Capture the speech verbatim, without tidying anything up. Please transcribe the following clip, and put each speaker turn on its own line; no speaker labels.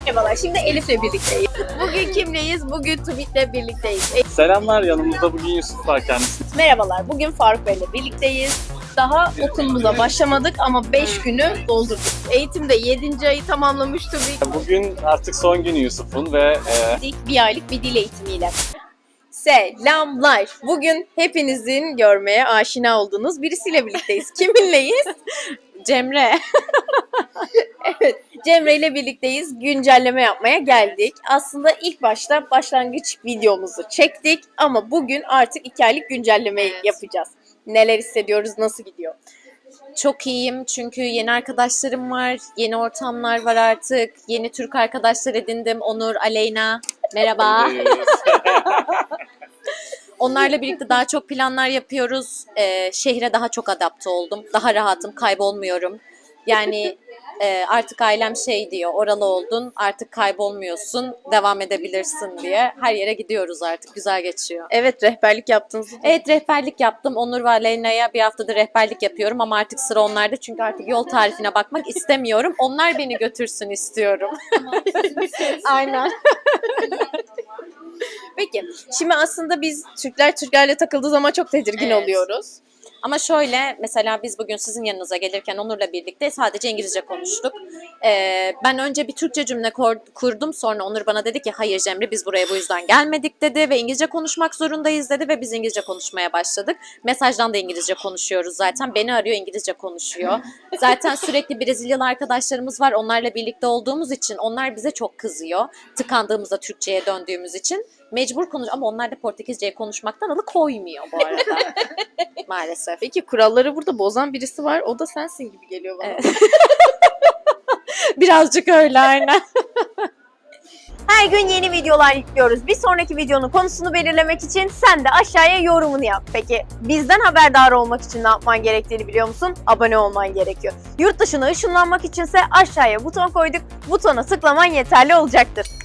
Merhabalar, şimdi Elif'le birlikteyiz. Bugün kimleyiz? Bugün Tümit'le birlikteyiz. E-
Selamlar, yanımızda bugün Yusuf var kendisi.
Merhabalar, bugün Faruk Bey'le birlikteyiz. Daha okulumuza başlamadık ama beş günü doldurduk. Eğitimde yedinci ayı tamamlamış Tümit.
Bugün artık son günü Yusuf'un ve e,
İlk bir aylık bir dil eğitimiyle. Selamlar. Bugün hepinizin görmeye aşina olduğunuz birisiyle birlikteyiz. Kiminleyiz? Cemre. Evet, Cemre ile birlikteyiz. Güncelleme yapmaya geldik. Aslında ilk başta başlangıç videomuzu çektik ama bugün artık iki aylık güncellemeyi
Evet.
yapacağız. Neler hissediyoruz, nasıl gidiyor?
Çok iyiyim çünkü yeni arkadaşlarım var, yeni ortamlar var artık, yeni Türk arkadaşlar edindim. Onur, Aleyna, merhaba. Onlarla birlikte daha çok planlar yapıyoruz. Ee, şehre daha çok adapte oldum, daha rahatım, kaybolmuyorum. Yani e, artık ailem şey diyor, oralı oldun, artık kaybolmuyorsun, devam edebilirsin diye. Her yere gidiyoruz artık, güzel geçiyor.
Evet, rehberlik yaptığınızı
Evet, rehberlik yaptım. Onur ve Aleyna'ya bir haftadır rehberlik yapıyorum ama artık sıra onlarda çünkü artık yol tarifine bakmak istemiyorum. Onlar beni götürsün istiyorum. Aynen.
Peki, şimdi aslında biz Türkler Türklerle takıldığı zaman çok tedirgin
Evet.
oluyoruz.
Ama şöyle, mesela biz bugün sizin yanınıza gelirken Onur'la birlikte sadece İngilizce konuştuk. Ee, ben önce bir Türkçe cümle kor- kurdum, sonra Onur bana dedi ki hayır Cemre, biz buraya bu yüzden gelmedik dedi ve İngilizce konuşmak zorundayız dedi ve biz İngilizce konuşmaya başladık. Mesajdan da İngilizce konuşuyoruz zaten. Beni arıyor, İngilizce konuşuyor. Zaten sürekli Brezilyalı arkadaşlarımız var. Onlarla birlikte olduğumuz için onlar bize çok kızıyor. Tıkandığımızda Türkçe'ye döndüğümüz için. Mecbur konuş ama onlar da Portekizce'ye konuşmaktan alıkoymuyor bu arada. Maalesef.
Peki kuralları burada bozan birisi var. O da sensin gibi geliyor bana.
Evet. Birazcık öyle aynen.
Her gün yeni videolar yüklüyoruz. Bir sonraki videonun konusunu belirlemek için sen de aşağıya yorumunu yap. Peki bizden haberdar olmak için ne yapman gerektiğini biliyor musun? Abone olman gerekiyor. Yurt dışına ışınlanmak içinse aşağıya buton koyduk. Butona tıklaman yeterli olacaktır.